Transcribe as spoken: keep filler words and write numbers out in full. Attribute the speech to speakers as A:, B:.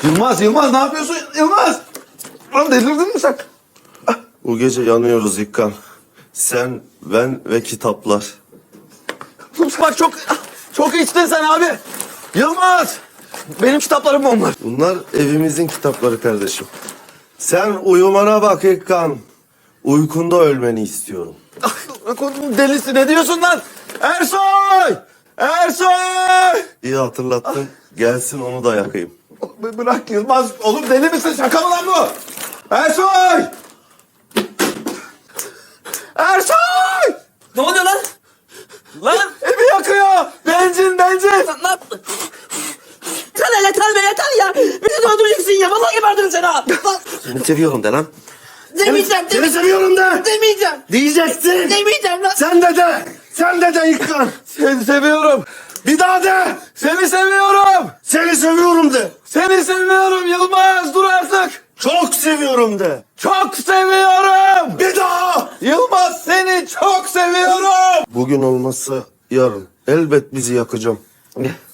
A: Yılmaz, Yılmaz ne yapıyorsun? Yılmaz! Lan delirdin mi sen?
B: Bu gece yanıyoruz İkkan. Sen, ben ve kitaplar.
A: Bak çok çok içtin sen abi. Yılmaz! Benim kitaplarım onlar.
B: Bunlar evimizin kitapları kardeşim. Sen uyumana bak İkkan. Uykunda ölmeni istiyorum.
A: Delisi ne diyorsun lan? Ersoy! Ersoy!
B: İyi hatırlattın. Gelsin onu da yakayım.
A: B- Bırak Yılmaz. Oğlum deli misin? Şaka mı lan bu? Ersoy! Ersoy!
C: Ne oluyor lan? Lan!
A: Evi yakıyor. Benzin, benzin.
C: Ne yaptın? Yeter yeter be yeter ya! Beni de öldüreceksin ya! Vallahi gebertirim seni ha! Lan!
B: Seni seviyorum de lan.
C: Demeyeceğim!
B: Seni
C: Demeyeceğim!
B: seviyorum de.
C: Demeyeceğim!
B: Diyeceksin.
C: Demeyeceğim lan!
B: Sen de de. Sen de de İkkan.
A: Seni seviyorum.
B: Bir daha de.
A: Seni seviyorum.
B: Seni seviyorum de.
A: Seni seviyorum Yılmaz. Dur artık.
B: Çok seviyorum de.
A: Çok seviyorum.
B: Bir daha.
A: Yılmaz seni çok seviyorum.
B: Bugün olmazsa yarın elbet bizi yakacağım.